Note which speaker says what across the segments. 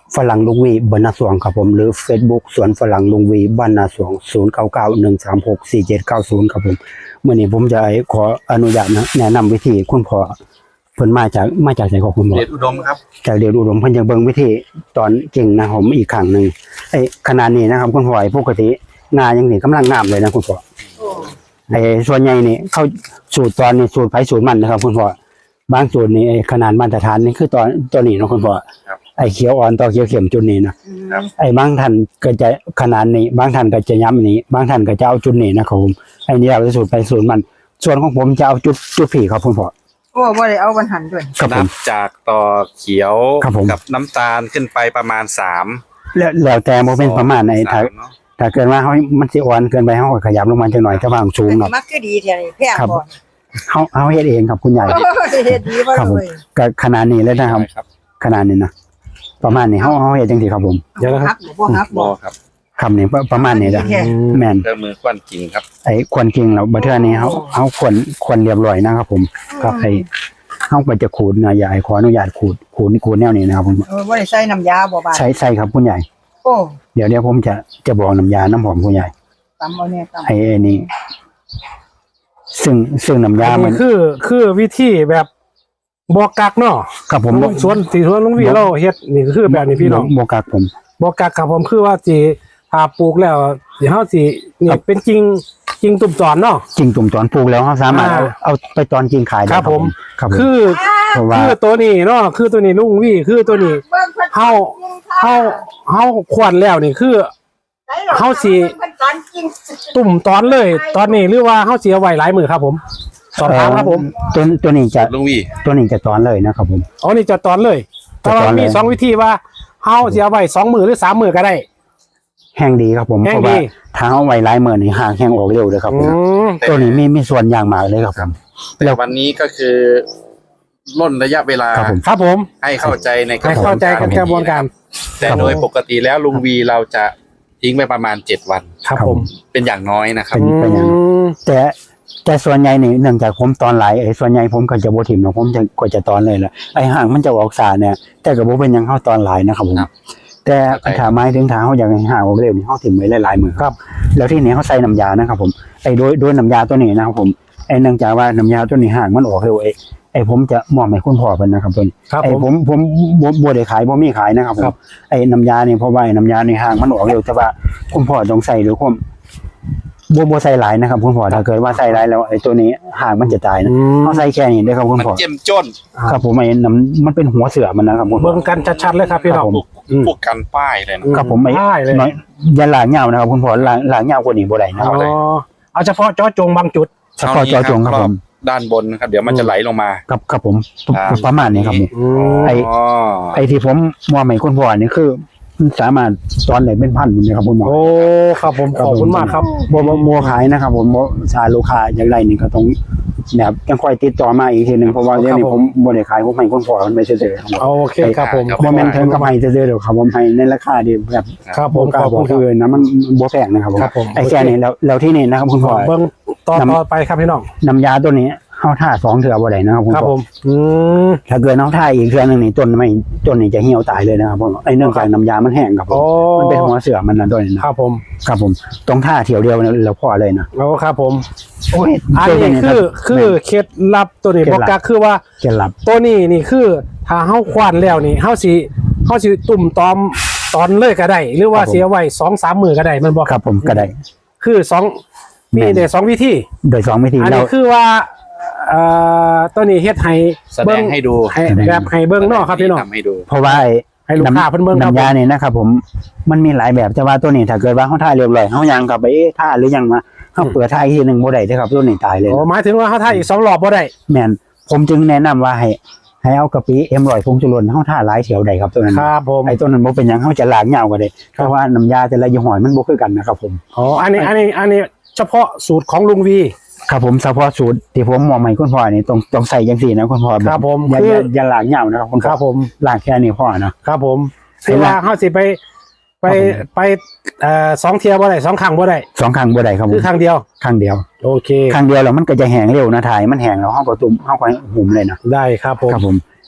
Speaker 1: ฝรั่งลุงวีบ้านนาสวงครับผมหรือ Facebook สวนฝรั่งลุงวีบ้านนาสวง0991364790ครับผมเมื่อนี้ผมจะขออนุญาตนะแนะนำวิธีคุณพ่อเพิ่นมาจากไหนของคุณพ่อ
Speaker 2: เดชอุดมครับ
Speaker 1: จากเดียวอุดมเพิ่นจะเบิ่งวิธีตอนเก่งนะผมอีกครั้งนึงขนาดนี้นะครับคุณพ่อปกติงายังนี่กำลังงามเลยนะคุณพ่อส่วนใหญ่นี่เขาสูตรตอนนี้สูตรไผสูตรมันนะครับคุณพ่อบางสูตรนี่ขนาดมาตรฐานนี่คือตัวนี้นะคุณพ่อเขียวอ่อนต่อเขียวเข้มจุดนี้นะบางท่านก็จะขนาดนี้บางท่านก็จะย้ำนี้บางท่านก็จะเอาจุดนี้นะครับผมนี่เราจะสูตรไปสูตรมันส่วนของผมจะเอาจุดผีครับคุณพ่อ
Speaker 3: โอ้บ่ได้เอาบรรหันด้วย
Speaker 2: นับจากต่อเขียวกับน้ำตาลขึ้นไปประมาณ3
Speaker 1: แล้วแต่โมเป็นประมาณไหนถ้าเกิดว่ามันสิอ่อนเกินไปเขาก็ขยับลงมาจังหน่อยจะวางสูงเนาะ
Speaker 3: มักคือดีแท้นี่แพงบ่
Speaker 1: เขาเฮ็ดเองครับคุณใหญ่
Speaker 3: เฮ็ดดีบ่เลย
Speaker 1: ก็ขนาดนี้เลยนะครับขนาดนี้นะประมาณนี้เขาเฮ็ดจังซี่ครับผม
Speaker 3: เดี๋ยวนะครับบ่
Speaker 2: ครับ
Speaker 1: คำนี้ประมาณนี้นะแม่น
Speaker 2: เครื่องมือควันจริงครับ
Speaker 1: ควันจริงแล้วบัดเทื่อนี้เขาควันเรียบร้อยนะครับผมครับเขาก็จะขูดนะอย่าขออนุญาตขูดแนวนี้นะครับผม
Speaker 3: บ่ได้ใส่น้ำยาบ่บาด
Speaker 1: ใส่ครับคุณใหญ่
Speaker 3: โอ้
Speaker 1: เดี๋ยวผมจะบอกน้ำยาน้ำหอมคุณใหญ่
Speaker 3: ตำเอาเนี่ยตำ
Speaker 1: นี่ซึ่งน้ำยามัน
Speaker 4: คือวิธีแบบบอกกักเนาะ
Speaker 1: ครับผม
Speaker 4: สวนลุงวีเราเฮ็ดนี่คือแบบนี้พี่น้อง
Speaker 1: บอกกักผม
Speaker 4: บอกกักครับผมคือว่าสิถ้าปลูกแล้วเฮาสินี่เป็นจริงตุ่มตอนเนาะ
Speaker 1: จริงตุ่มตอนปลูกแล้วเขาสามารถเอาไปตอนจริงขายได้
Speaker 4: ครับผม
Speaker 1: คือ
Speaker 4: ตัวนี้เนาะคือตัวนี้ลุงวีคือตัวนี้เฮาควรแล้วนี่คือเฮาสิตุ่มตอนเลยตอนนี้หรือว่าเฮาสิเอาไว้หลายมื้อครับผมสอบถามครับผม
Speaker 1: ตัวนี้จะ
Speaker 2: ลุงวี
Speaker 1: ตัวนี้จะตอนเลยนะครับผม
Speaker 4: อ๋อนี่จะตอนเลยแต่ว่ามี2วิธีว่าเฮาสิเอาไว้2มื้อหรือ3มื้อก็ได้
Speaker 1: แห้งดีครับผมเพราะว่าถ้าเอาไว้หลายมื้อนี่ห่างแห้งออกเร็วเลยครับผมตัวนี้มีส่วนอย่างมากเลยครับ
Speaker 2: แล้ววันนี้ก็คือล่นระยะเวลา
Speaker 4: ครับผม
Speaker 2: ให้เข้าใจในก
Speaker 4: ระบวนการ
Speaker 2: แต่โดยปกติแล้วลุงวีเราจะทิ้งไปประมาณ7วัน
Speaker 4: ครับผม
Speaker 2: เป็นอย่างน้อยนะครับ
Speaker 1: เป็นอย่างแต่ส่วนใหญ่นี่เนื่องจากผมตอนหลายส่วนใหญ่ผมก็จะบ่ถิ่มนะผมจะตอนเลยละห่างมันจะออกสาเนี่ยแต่ก็บ่เป็นยังเข้าตอนหลายนะครับผมแต่ถ้าไม้ถึงทางเขาอยากให้ห่างออกเร็วนี่เขาถิ่มไว้หลายๆมือครับแล้วที่นี้เขาใส่น้ำยานะครับผมโดยน้ำยาตัวนี้นะครับผมเนื่องจากว่าน้ำยาตัวนี้ห่างมันออกเร็วผมจะมอบให้คุณพ่อเพิ่นนะครับเพิ่นผมบ่ได้ขายบ่มีขายนะครับผมน้ำยานี่เพราะว่าน้ำยาในห่างมันออกเร็วแต่ว่าคุณพ่อต้องใส่ด้วยความบ่ใส่หลายนะครับคุณพ่อถ้าเกิดว่าใส่หลายแล้วตัวนี้ห่างมันจะตายนะเขาใส่แค่นี้ได้ครับคุณพ่อ
Speaker 2: มันเจ็มจ้น
Speaker 1: ครับผมมันเป็นหัวเสือมันนะครับคุณ
Speaker 4: พ่อเบิ่งกันชัดๆเลยครับพี่น้อง
Speaker 2: พวกกันป้ายเลย
Speaker 1: นะครับผมอย่าหลางยาวนะครับคุณพ่อหลางยาวกว่านี้บ่ได้นะครับ
Speaker 4: เอาเฉพาะเจาะจงบางจุด
Speaker 1: เฉพาะเจาะจงครับผม
Speaker 2: ด้านบนนะครับเดี๋ยวมันจะไหลลงมา
Speaker 1: ครับผมประมาณนี้ครับที่ผมมองให้คุณพ่อนี่คือสามารถตอนไหนเป็นพันเลยครับคุณหมอ
Speaker 4: โอ้ครับผมขอบคุณมากครับ
Speaker 1: โมขายนะครับผมชาลูกค้าอย่างไรนี่ก็ต้องแบบยังค่อยติดต่อมาอีกทีนึงเพราะว่าเดี๋ยวนี้ผมบ่ได้ขายผมให้คุณพ่อมันไม่เฉยๆครับ
Speaker 4: โอเคครับผม
Speaker 1: โมเมนต์เทิงกับให้เฉยๆเดี๋ยวครับผมให้ในราคาดีแบบ
Speaker 4: ครับผมขอบคุณ
Speaker 1: คือนะมันบ่แพงนะครับผมแค่นี้แล้วที่นี่นะครับคุณพ่อ
Speaker 4: เบิ่งต่อไปครับพี่น้อง
Speaker 1: น้ำยาตัวนี้เข้าท่า2เทื่อบ่ได้นะครับ
Speaker 4: ผม
Speaker 1: ถ้าเกิดน้องท่าอีกเทื่อนึงนี่ต้นนี่จะเหี่ยวตายเลยนะครับผมเนื่องจากน้ำยามันแห้งครับผมมันเป็นหัวเสือมันนะด้วยนะครับผมต้องท่าเที่ยวเดียวแล้วพอเลยนะ
Speaker 4: โอ้ครับผมอันนี้คือเคล็ดลับตัวนี้บอกก็คือว่า
Speaker 1: เคล็ดลับ
Speaker 4: ตัวนี้นี่คือถ้าเฮาควานแล้วนี่เฮาสิตุ่มตอนเลยก็ได้หรือว่าเสียไว้ 2-3 มื้อก็ได้มันบ่
Speaker 1: ครับผมก็ได้
Speaker 4: คือ2มีได้2วิธี
Speaker 1: โดย2วิธี
Speaker 4: อันนี้คือว่าตัวนี้เฮ็ดให้
Speaker 2: แสดงให้ดู
Speaker 4: แบบให้เบิ่งเนาะครับพี่น้อง
Speaker 1: เพราะว่า
Speaker 4: ให้ลูกค้าเพิ่นเบิ่ง
Speaker 1: น้ำยาเนี่ยนะครับผมมันมีหลายแบบแต่ว่าตัวนี้ถ้าเกิดว่าเฮาท่าเรียบร้อยเฮายังกลับไปท่าหรือยังมาเฮาเปิดท่าอีกทีนึงบ่ได้เด้อครับตัวนี้ตายเลย
Speaker 4: อ๋อหมายถึงว่าเฮาท่าอีก2รอบบ่ได้
Speaker 1: แม่นผมจึงแนะนำว่าให้เอากะปิ100ผงชูรสเฮาท่าหลายเที่ยวได้ครับตัวนั้น
Speaker 4: ครับผม
Speaker 1: ตัวนั้นบ่เป็นหยังเฮาจะล้างยาวก็ได้เพราะว่าน้ำยาแต่ละยี่ห้อมันบ่คือกันนะครับผม
Speaker 4: อ๋ออันนี้เฉพาะสูตรของลุงวี
Speaker 1: ครับผมเฉพาะสูตรที่ผมมองใหม่คุณพ่อนี่ต้องใส่จังซี่นะคุณพ่อ
Speaker 4: ครับผม
Speaker 1: อย่าล้างยาวนะครับคุณ
Speaker 4: ครับผม
Speaker 1: ล้างแค่นี้พอนะครับ
Speaker 4: ผมคือว่าเฮาสิไป2เที่ยวบ่ได้2ครั้งบ่ได้
Speaker 1: 2ครั้งบ่ได้ครับผม
Speaker 4: คือครั้งเดียวโอเค
Speaker 1: ครั้งเดียวแล้วมันก็จะแห้งเร็วนะถ่ายมันแห้งแล้วเฮาก็ตุ่มเฮาก็หุ่มเลยนะ
Speaker 4: ได้ครับผม
Speaker 1: ครับผม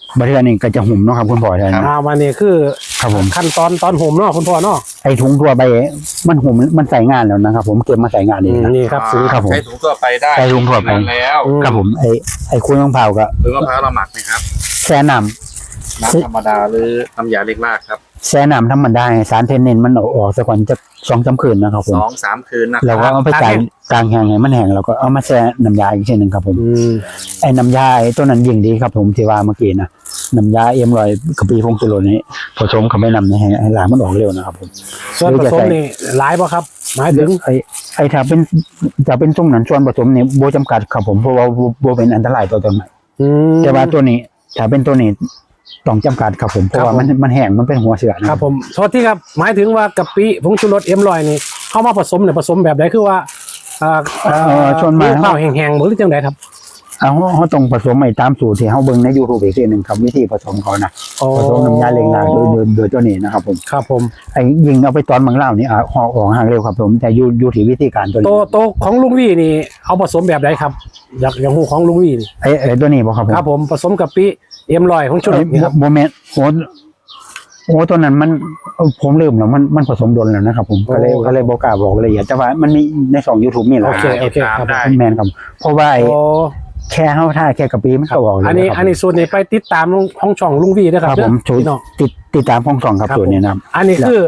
Speaker 1: บัดเทื่อนี้ก็จะหุ่มเนาะครับคุณพ่อแทน
Speaker 4: วันนี้คือ
Speaker 1: ครับผม
Speaker 4: ขั้นตอนห่มเนาะคุณพ่อเนาะ
Speaker 1: ไอ้ถุงทั่วไปมันหุ่มมันใส่งานแล้วนะครับผมเก็บมาใส่งานเองนะ
Speaker 4: นี่ครับซื้อ
Speaker 1: ครับผม
Speaker 2: ใช้ถุงทั่วไปได้
Speaker 1: ใช้ถุงทั่วไป
Speaker 2: นานแล้ว
Speaker 1: ครับผมไอ้คุยมะพร้าวก็
Speaker 2: หรือมะพร้าวเราหมักไหมครับ
Speaker 1: แช่น้
Speaker 2: น้ำธรรมดาหรือน้ำยาเล็กลากครับ
Speaker 1: ำแช่น้ำธรรมดาให้สารเทนนินมันออกสักวันจะ2-3 คืนนะครับผม
Speaker 2: 2-3 คืนนะค
Speaker 1: เรา
Speaker 2: รับ
Speaker 1: ก็เอาไปกลางแห้งให้มันแห้งเราก็เอามาแช่น้ำยาอีกทีหนึ่งครับผมไอ้น้ำยาไอ้ตัวนั้นยิ่งดีครับผมที่ว่าเมื่อกี้นะน้ำยาเอ็มรอยกะปิพงจุโรนี้ผสมเข้าไปนำในให้ล้างมันออกเร็วนะครับผม
Speaker 4: ส่วนผสมนี่หลายป่ะครับ หมายถึง
Speaker 1: ไอ้ถ้าเป็นตรงนั้นส่วนผสมนี่โบจำกัดครับผมเพราะว่าโบเป็นอันตรายต่อต้นไม้แต่ว่าตัวนี้ถ้าเป็นตัวนี้ต้องจำกัดครับผมเพราะว่ามันแห้งมันเป็นหัวเสือนะครับ
Speaker 4: ผมโทษที่ครับหมายถึงว่ากะปิผงชูรสM100นี่เข้ามาผสมเนี่ยผสมแบบไหนคือว่า
Speaker 1: ชวนมา
Speaker 4: ข้าวแห้งๆหรือจังไดครับ
Speaker 1: เขาต้องผสมใหม่ตามสูตรที่เขาเบิ่งใน YouTube อีกทีหนึ่งครับวิธีผสมเขานะผสมน้ำยาเล็งนางโดยตัวนี้นะครับผม
Speaker 4: ครับผม
Speaker 1: ไอ้ยิงเอาไปตอนบางเล่านี่ห่อออกห่างเร็วครับผมแต่อยู่ที่วิธีการตัวนี้
Speaker 4: โตของลุงวี่นี่เอาผสมแบบไหนครับอย่างหูของลุงวี่นี่
Speaker 1: ไอ้ตัวนี้บอกครับผม
Speaker 4: ครับผมผสมกะปิM100ของชูรสนี่ครับ
Speaker 1: โมเมนต์โอ้ตัวนั้นมันผมลืมแล้วมันผสมโดนแล้วนะครับผมก็เลยบอกกล้าบอกละเอียดแต่ว่ามันมีใน2 YouTube นี่แหละ
Speaker 4: โอเคครับ
Speaker 2: ได้
Speaker 1: แมนครับเพราะว่าแค่เฮาท่าแค่กะปิมันก็ออกเลย
Speaker 4: อันนี้ส่วนนี้ไปติดตามห้องช่องลุงวี่นะค
Speaker 1: ค
Speaker 4: รั
Speaker 1: รั
Speaker 4: บบ
Speaker 1: ผม
Speaker 4: พี่น้อง
Speaker 1: ติดตามห้อง2ครับส่วนนี้นะครับ
Speaker 4: อันนี้คือ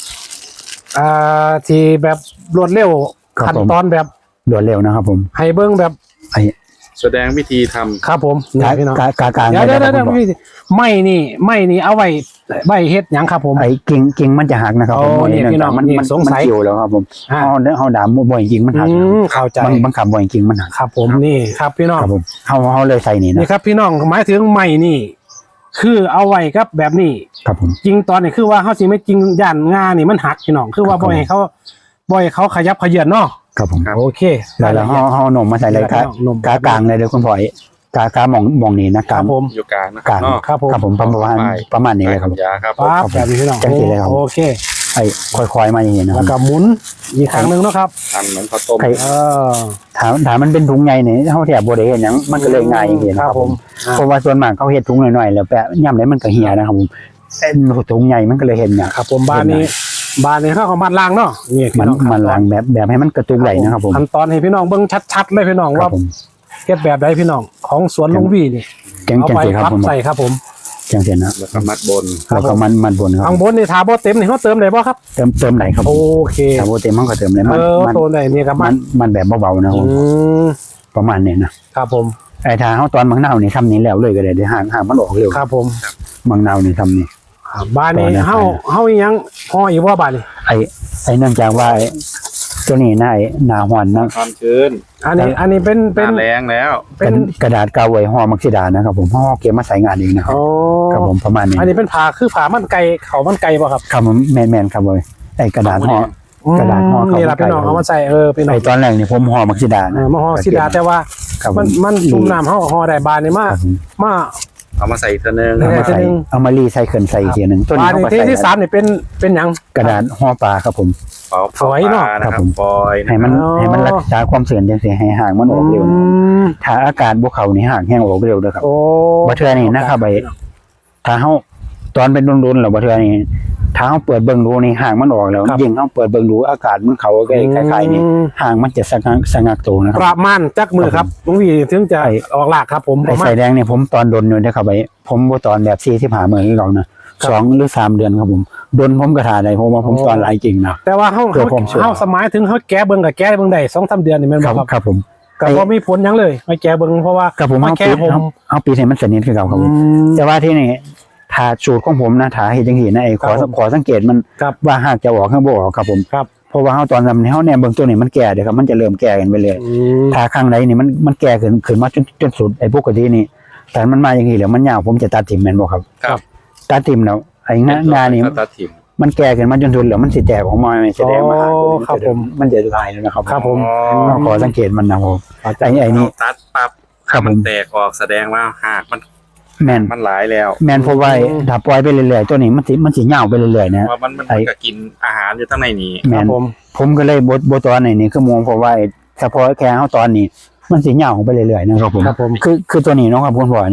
Speaker 4: ที่แบบรวดเร็ว
Speaker 1: ครับ
Speaker 4: ขั้น
Speaker 1: ผม
Speaker 4: ตอนแบบ
Speaker 1: รวดเร็วนะครับผม
Speaker 4: ให้เบิ้งแบบ
Speaker 1: ไอ้
Speaker 2: แสดงวิธีทำ
Speaker 4: ครับผมนี่พี่น้อง
Speaker 1: กากลาง
Speaker 4: เดี๋ยว
Speaker 1: ได้ครับผม
Speaker 4: ไม่นี่เอาไว้เฮ็ดหยังครับผม
Speaker 1: ไอ้กิ่งมันจะหักนะครับผม
Speaker 4: โอ้เนี่ยพี่น้อง
Speaker 1: มัน
Speaker 4: สงสัย
Speaker 1: เกี่ยวแล้วครับผม
Speaker 4: อ่า
Speaker 1: เฮาด่าบ่อยจริงมันหัก
Speaker 4: เข้าใจ
Speaker 1: บางคำบ่อยจริงมันหัก
Speaker 4: ครับผมนี่ครับพี่น้อง
Speaker 1: ครับผมเฮาเลยใส่นี่
Speaker 4: นี่
Speaker 1: นะครับ
Speaker 4: พี่น้องหมายถึงไม่นี่ คือเอาไว้ครับแบบนี้
Speaker 1: ครับผม
Speaker 4: จริงตอนนี้คือว่าเขาสิไม่จริงย่านงานี่มันหักพี่น้องคือว่า
Speaker 1: ครับ
Speaker 4: บ่ให้เขาขยับเขยือนเนาะ
Speaker 1: ครับผม
Speaker 4: โอเค
Speaker 1: แล้วเฮาหนมมาใส่เลยครับ
Speaker 4: นม
Speaker 1: กากลางเลยเด้อคุณพ่อยกามองนี่นะ
Speaker 4: ค
Speaker 1: กา
Speaker 4: รับผม
Speaker 2: อยู่กลางนะค
Speaker 1: ก
Speaker 2: รั
Speaker 1: ลา
Speaker 2: บ
Speaker 1: ง
Speaker 2: เนาะ
Speaker 4: ครับผม
Speaker 1: ครับผมประมาณนี้เลยครับ
Speaker 2: ยาครับ
Speaker 4: ปั๊บแบบนี้พี่น้อง
Speaker 1: จังสิเลยครับ
Speaker 4: โอเค
Speaker 1: ไอ้ค่อยๆมาอย่างนี้นะค
Speaker 4: แล้
Speaker 1: รั
Speaker 4: ว
Speaker 1: บ
Speaker 4: ก็หมุนอีกครั้งหนึงเนาะครับ
Speaker 2: ทำเหมือนข้าวต้ม
Speaker 1: ไอ้
Speaker 4: เออ
Speaker 1: ถามมันเป็นถุงใหญ่นี่เฮาแทบบ่ได้เฮ็ดหยังมันก็เลยง่ายอย่างนี้นะครับผม เพราะว่าส่วนมากเขาเฮ็ดถุงน้อยๆแล้วแปะย่ำไหนมันก็เหี่ยนะครับผมถุงใหญ่มันก็เลยเห็นเนี่ย
Speaker 4: ครับผมบ้านนี้เขาเอามัดล้างเนาะนี่พี่
Speaker 1: มัน
Speaker 4: น้อง
Speaker 1: มันล้างแบบให้มันกระตุกไหลนะครับผม
Speaker 4: ขั้นตอนให้พี่น้องเบิ่งชัดๆเลยพี่น้อง
Speaker 1: ครั
Speaker 4: ว่า
Speaker 1: บผม
Speaker 4: เฮ็ดแบบใดพี่น้องของสวนลุงวี่นี่
Speaker 1: จัง
Speaker 4: เอา
Speaker 1: จัง
Speaker 4: ไป
Speaker 1: สิครับ
Speaker 4: พับ
Speaker 1: ผม
Speaker 4: ใส่ครับผม
Speaker 1: จังสินะ
Speaker 2: แล้วก็มัดบน
Speaker 1: แล้วก็มันบนครับ
Speaker 4: ข้างบนนี่ทาบ่เต็มนี่เขาเติมได้บ่ครับ
Speaker 1: เติมไหลครับ
Speaker 4: โอเค
Speaker 1: ถ้าโบเต็มมันก็เติมเลยมัน
Speaker 4: โตได้นี่ครับ
Speaker 1: มันแบบเบาๆนะผม
Speaker 4: ม
Speaker 1: ประมาณนี้นะครับ
Speaker 4: ผม
Speaker 1: ไอ้ทาเฮาตอนบางนาวนี่ทำนี้แล้วเลยก็ได้เดี๋ยวห่างมันออกเร็ว
Speaker 4: ครับผม
Speaker 1: บางนาวนี่ทำนี่
Speaker 4: บ้านนี้
Speaker 1: ตอนนี้
Speaker 4: เฮาอีหยังห่ออีกว่าบ้านนี้
Speaker 1: ไอ้เนื่องจากว่าตัวนี้หน้าหอนนะ
Speaker 2: ความชื้น
Speaker 4: อันนี้เป็น
Speaker 2: หน้าแรงแล้ว
Speaker 1: กระดาษกาวไว้ห่อมักซิดานะครับผมห่อเก็บมาใส่งานเองนะครับ
Speaker 4: โอ้
Speaker 1: ครับผมประมาณนี้
Speaker 4: อันนี้เป็นผ้าคือผ้ามันไก่เขามันไก่ป่ะครับ
Speaker 1: ครับผมแมนครับเลยไอ้กระดาษห่อ กระดาษห่อเขา
Speaker 4: นี่แหละพี่น้องเอามาใส่พี่น้อง
Speaker 1: ไอ้ตอนแรกนี่ผมห่อมักซิดานะ
Speaker 4: มาห่อสิดาแต่ว่า
Speaker 1: ครับผ
Speaker 4: มันจุ่มน้ำห่อได้บานนี่
Speaker 1: ครับผม
Speaker 4: มา
Speaker 2: เอามาใส่อีกตัวหนึง
Speaker 1: เอามาใส่
Speaker 4: ทีนึง
Speaker 1: เอามารีไซเคิลใส่อีกทีหนึงตัว
Speaker 4: บา
Speaker 1: นี้
Speaker 4: น
Speaker 1: เขา
Speaker 4: นี่
Speaker 1: ก็ใส่
Speaker 4: ที่3นี่เป็นหยัง
Speaker 1: กระดาษห่อปลาครับผม
Speaker 2: เป่า
Speaker 4: สวยเนอะ
Speaker 2: ปลนะค
Speaker 1: ครั
Speaker 2: รับบ
Speaker 1: ผม
Speaker 2: ฟอยล์นะ
Speaker 1: ให้
Speaker 2: ค
Speaker 1: มัน
Speaker 2: รับ
Speaker 1: ให้มันรักษาความเสื่อมจังซี่ให้ห่างมันออกเร็ว
Speaker 4: ม
Speaker 1: ถ้าอากาศบ่เข้านี่ห่างแห้งออกเร็วเด้อครับ
Speaker 4: โอ้
Speaker 1: บ่เทื่อนี่นะครับไอ้ถ้าเฮาตอนเป็นรุนๆแล้วบ่เทื่อนี่ถ้าเฮาเปิดเบิ่งดูนี่ห่างมันออกแล้วยิ่งเฮาเปิดเบิ่งดูอากาศมันเข้าใกล้ๆนี่ห่างมันจะสงักตัวนะค
Speaker 4: ป
Speaker 1: รับ
Speaker 4: ระมาณจักมือครับลุงวีถึงจะออกหลากครับผมป
Speaker 1: ไอ้
Speaker 4: ระมาณ
Speaker 1: ใส่แดงเนี่ยผมตอนดนอยู่นะครับไอ้ผมบ่ตอนแบบ45มื้อนี่หรอกนะ2หรือ3เดือนครับผมดนผมก็ท่าได้เพราะว่าผมตอนหลายจริงนะ
Speaker 4: แต่ว่าเฮา
Speaker 1: เพื่อความชัวร์
Speaker 4: เฮาสมัยถึงเฮาแก้เบิ่งกับแก้เบิ่งได้ 2-3 เดือนนี่แม่น
Speaker 1: ค
Speaker 4: บ่
Speaker 1: รับ
Speaker 4: ครับ
Speaker 1: ครับผม
Speaker 4: ก็บ่มีผลหยังเลยไม่แก้เบิ่งเพราะว่า
Speaker 1: กับผม
Speaker 4: มา
Speaker 1: เอา
Speaker 4: แก้
Speaker 1: ปี
Speaker 4: ผม
Speaker 1: เอาปีให้มันสนิทคือเก่าครับผมแต่ว่าที่นี่ถ้าสูตรของผมนะถ้าเฮ็ดจังซี่นะไอ้ขอสังเกตมัน
Speaker 4: ครับ
Speaker 1: ว่าหากจะออกข้างบ่ออกครับผม
Speaker 4: ครับ
Speaker 1: เพราะว่าเฮาตอนทำนี่เฮาแนมเบิ่งตัวนี้มันแก่เด้อครับมันจะเริ่มแก่กันไปเลยถ้าข้างใดนี่มันแก่ขึ้นมาจนสุดไอ้ปกตินี่แต่มันมาอย่างนี้แล้วมันยาวผมจะตัดทิ่มแม่นบ่ครับ
Speaker 2: ครับ
Speaker 1: ตัดทิ่มแล้วไอ้งานี่
Speaker 2: ก็ตัดถิ่ม
Speaker 1: มันแก่ขึ้นมาจนสุดแล้วมันสิแตกออกมาไม่แสดงว่า
Speaker 4: อ๋อครับผม
Speaker 1: มันจะลายแล้วนะครับ
Speaker 4: ครับผม
Speaker 1: เราขอสังเกตมันนะผมไอ้นี่
Speaker 2: ตัดปั๊บ
Speaker 1: ครับผม
Speaker 2: มันแตกออกแสดงว่าหากมัน
Speaker 1: แม่น
Speaker 2: หลายแล้ว
Speaker 1: แม่นเพราะว่าถ้าปล่อยไปเรื่อยๆตัวนี้มันสิยาวไปเรื่อยๆนะ
Speaker 2: ว่ามันก็กินอาหารอยู่ข้างในนี้
Speaker 1: แม่น ผมก็เลยบตอนนี่คือมองเพราะว่าเฉพาะแค่เฮาตอนนี้มันสิยาวไปเรื่อยๆนะครับผม
Speaker 4: ครับผม
Speaker 1: คือตัวนี้เนาะครับคุณพ่อนี่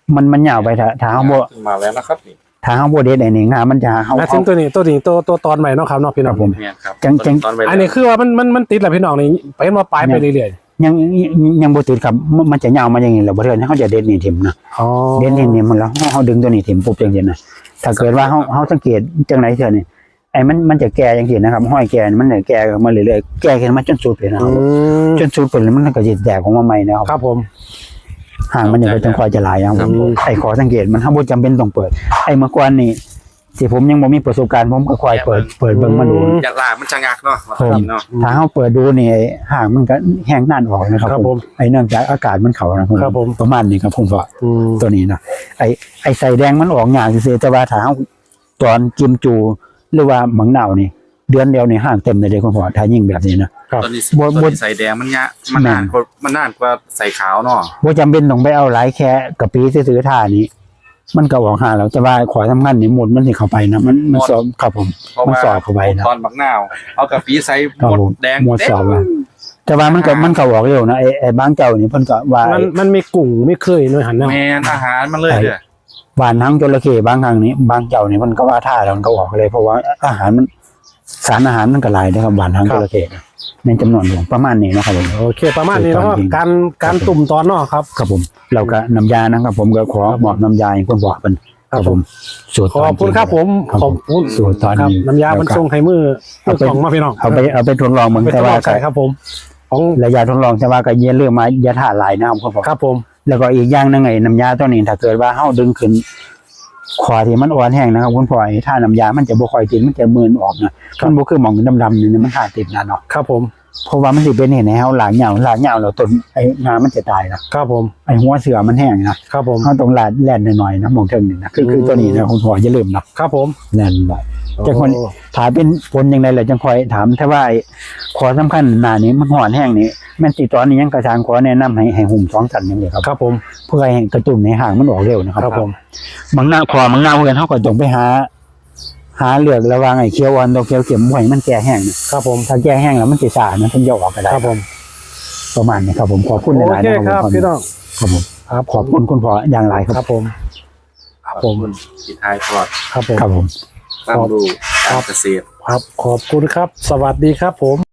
Speaker 1: มันยาวไปถ้าเฮาบ่
Speaker 2: ขึ้นมาแล้วนะครับนี่
Speaker 1: ถ้าเฮาบ่เด็ดไอ้นี่งามันจะเฮา
Speaker 4: แล้วซึ่งตัวนี้ตัวตอนใหม่เนาะครับเนาะพี่น้อง
Speaker 2: เนี่ยครับ
Speaker 1: จัง
Speaker 2: ตอนไป
Speaker 4: อันนี้คือว่ามันติดแหละพี่น้องนี่ไปมาปลายไปเรื่อย
Speaker 1: ยังบ่ติดครับมันจะยาวมาอย่างนี้แล้วบ่เทื่อเฮาจะเด็ดนี่ทิ่มนะ
Speaker 4: ๆอ๋อ
Speaker 1: เด่นนี่มันแล้วเฮาดึงตัวนี้ถิ่มปุ๊บจังซี่นะถ้าเกิดว่าเฮาสังเกตจังไหนเทื่อนี่ไอ้มันจะแก่จังซี่นะครับห้อยแก่มันเนี่ยแก่มาเรื่อยๆแก่ขึ้นมาจนสุดเลยนะค
Speaker 4: อื
Speaker 1: รับ
Speaker 4: ม
Speaker 1: จนสุดเพิ่นแล้วมันก็สิแตกออกมาใหม่นะครับ
Speaker 4: ครับผม
Speaker 1: ห่างมันยังบ่จังค่อยจะหลายครับผมไอ้ขอสังเกตมันเฮาบ่จำเป็นต้องเปิดไอ้เมื่อก่อนนี่ที่ผมยังบ่มีประสบการณ์ผมก็ค่อยเปิดเบิ่งมาดู
Speaker 2: อยากลากมันชะงักเนาะ
Speaker 1: ผม
Speaker 2: เนาะ
Speaker 1: ถ้าเฮาเปิดดูนี่ห่างมันก็แห้งนั่นออกนะครับ
Speaker 4: ครับ
Speaker 1: ผ
Speaker 4: ผม ม
Speaker 1: ไอ้เนื่องจากอากาศมันเข้านะ
Speaker 4: ครับผม
Speaker 1: ประมาณนี้ครับผมว่า
Speaker 4: อืม
Speaker 1: ตัวนี้นะไอ้ใส่แดงมันออกงานซื่อๆแต่ว่าถ้าเอาตอนกิมจูหรือว่าหมังหนาวนี่เดือนเดียวนี่ห่างเต็มเลยเด้คุณพ่อถ้ายิ่งแบบนี้นะครับ
Speaker 2: ตอนนี้
Speaker 1: บ่
Speaker 2: ตอนนี้ใส่แดงมันเนี้ยมันนานกว่าใส่ขาวเนาะ
Speaker 1: บ่จำเป็นต้องไปเอาหลายแค่กะปิซื้อๆท่านี้ มันก็ออกหาแล้วแต่ว่าขอสำคัญนี่หมดมันสิเข้าไปนะมันสอบครับผม
Speaker 2: เพราะ
Speaker 1: มัน
Speaker 2: ว่า
Speaker 1: สอบเข้าไปนะ
Speaker 2: ตอนบักนาวเอากะปิใส่
Speaker 1: ครับ
Speaker 2: หมด
Speaker 1: ผม
Speaker 2: แดง
Speaker 1: หมดสอบอะแต่ว่ามันก็ออกเร็วนะไอ้บางเจ้านี่เพิ่นก็ว่า
Speaker 4: มันมีกุ้งไม่เคยหน่วยหันเนาะ
Speaker 2: แมนอาหารมันเลยเด้อ
Speaker 1: หวานทั้งจระเข้บางครั้งนี่บางเจ้านี่มันก็ว่าท่าแล้วมันก็ออกเลยเพราะว่าอาหารมันสารอาหารมันก็หลายนะครับหวานทั้งจระเข้ในจำนวนหลวงประมาณนี้นะครับผม
Speaker 4: โอเคประมาณนี้เนาะ
Speaker 1: จริง
Speaker 4: การตุ่มตอนเนาะครับ
Speaker 1: ครับผมเราก็น้ำยานะครับผมก็ขอบอกน้ำยาให้คนบอกเป็นครับผมสูตร
Speaker 4: ขอบคุณครับผม
Speaker 1: ครับ
Speaker 4: ขอบคุณ
Speaker 1: สูตรตอน
Speaker 4: ครับ
Speaker 1: นี้
Speaker 4: น้ำยามันส่งให้มือสองมาพี่น้อง
Speaker 1: เอาไปทดลองเหมือน
Speaker 4: ไปท
Speaker 1: แต่
Speaker 4: ดล
Speaker 1: ว่า
Speaker 4: องใส่ครับผม ของ
Speaker 1: ระยะทดลองแต่ว่าก็เยี่ยเรื่องมาอย่าถ่าหลายนะครับคุณพ่อ
Speaker 4: ครับผม
Speaker 1: แล้วก็อีกอย่างหนึงไอ้น้ำยาตัวนี้ถ้าเกิดว่าเฮาดึงขึ้นขอที่มันอ่อนแห้งนะครับคุณพ่อไอ้ถ้าน้ำยามันจะบ่ค่อยติดมันจะมืนออกนะมันบ่คือหมองดำๆนี่มันหาติดนะเนาะ
Speaker 4: ครับผม
Speaker 1: เพราะว่ามันสิเป็นเห็นให้เฮาหลางเหยาแล้วต้นไอ้งามันจะตายนะครับ
Speaker 4: ผม
Speaker 1: ไอ้หัวเสือมันแห้งนะครับ
Speaker 4: ผม
Speaker 1: เฮาต้องลาดแล่นหน่อยๆนะหมองเทิงนี่นะคือตัวนี้นะคุณพ่ออย่าลืมนะครับ
Speaker 4: ผม
Speaker 1: แล่นหน่อย แต่คน
Speaker 4: โอ้
Speaker 1: ถามเป็นผลยังไงล่ะจังคอยถามถ้าว่าไอ้ขอสำคัญหน้านี้มันหอนแห้งนี่แม่นสิตอนนี้ยังกระชางขอแนะนำให้หุ่ม2สันอย่างเดียวครับ
Speaker 4: ครับผม
Speaker 1: เพื่อให้กระตุ้นในห่างมันออกเร็วนะครับ
Speaker 4: ครับผม
Speaker 1: บางหน้าเพื่อนเฮาก็ต้องไปหาเลือกระหว่างไอ้เขียวอ่อนตัวเขียวเข็มบ่ให้มันแก่แห้งนะครับ
Speaker 4: ผม
Speaker 1: ถ้าแก่แห้งแล้วมันสิซ่านะเพิ่นจะออกก็ได้
Speaker 4: ครับผม
Speaker 1: ประมาณนี้ครับผมขอบคุณห
Speaker 4: โอ
Speaker 1: ลายๆ
Speaker 4: เค
Speaker 1: นะครับ
Speaker 4: ครับพี่น้อง
Speaker 1: ครับผม
Speaker 4: ครับ
Speaker 1: ขอบคุณคุณพ่ออย่างไรค
Speaker 4: ค
Speaker 1: รั
Speaker 4: รั
Speaker 1: บบ
Speaker 4: ผม ครับผม
Speaker 2: ปิดท้ายทอด
Speaker 4: ครับผม
Speaker 1: ครับผม
Speaker 2: ตั้งดูการเกษตร
Speaker 4: ครับขอบคุณครับ สวัสดีครับผม